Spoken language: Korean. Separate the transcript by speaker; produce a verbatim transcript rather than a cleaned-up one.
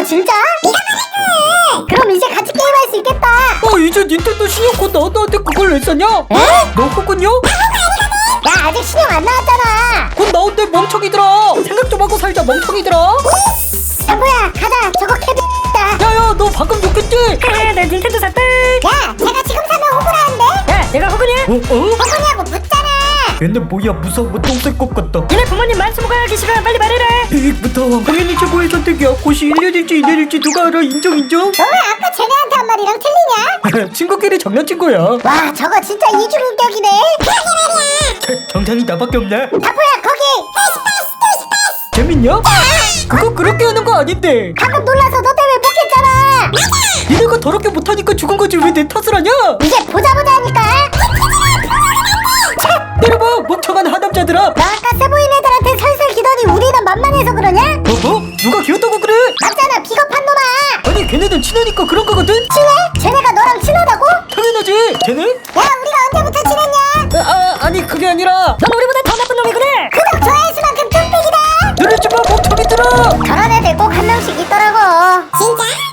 Speaker 1: 진짜? 네가 말해. 그럼 이제 같이 게임할 수 있겠다.
Speaker 2: 어 이제 닌텐도 신형 곧 나왔다는데 그걸 왜 썼냐?
Speaker 1: 에?
Speaker 2: 너 호군요?
Speaker 1: 야 아직 신형 안 나왔잖아.
Speaker 2: 곧 나온대 멍청이들아. 생각 좀 하고 살자 멍청이들아.
Speaker 1: 야 뭐야 가자. 저거 캐비다.
Speaker 2: 야야 너 방금 욕했지?
Speaker 3: 그래 나 닌텐도 샀다.
Speaker 1: 야 제가 지금 사면 호구라는데?
Speaker 3: 야 내가 호구냐?
Speaker 2: 어? 어?
Speaker 1: 호구냐고 묻잖아.
Speaker 2: 얘네 뭐야 무서워 똥쌀것 같다.
Speaker 3: 얘네 부모님 만수무가 하기 싫어. 빨리 말해라.
Speaker 2: 이익부터 당연히 최고의 선택이야. 곧이 일 년일지 이 년일지 누가 알아. 인정 인정.
Speaker 1: 너 왜 아까 쟤네한테 한 말이랑 틀리냐?
Speaker 2: 친구끼리 장난친 거야.
Speaker 1: 와 저거 진짜 이중인격이네. 그러게 말이야.
Speaker 2: 정상이 나밖에 없네.
Speaker 1: 다포야 거기.
Speaker 2: 재밌냐? 그거 그렇게 하는 거 아닌데.
Speaker 1: 방금 놀라서 너 때문에 못 했잖아.
Speaker 2: 니네가 더럽게 못하니까 죽은 거지 왜 내 탓을 하냐?
Speaker 1: 이제 보자 보자 하니까.
Speaker 2: 때려봐 멍청한 하남자들아.
Speaker 1: 너 아까 세보인 애들한테 설설 기더니 우리는 만만해서 그러냐?
Speaker 2: 어? 뭐? 누가 귀엽다고 그래?
Speaker 1: 맞잖아 비겁한 놈아.
Speaker 2: 아니 걔네들 친하니까 그런 거거든?
Speaker 1: 친해? 쟤네가 너랑 친하다고?
Speaker 2: 당연하지. 쟤네?
Speaker 1: 야 우리가 언제부터 친했냐?
Speaker 2: 아, 아 아니 그게 아니라
Speaker 3: 너는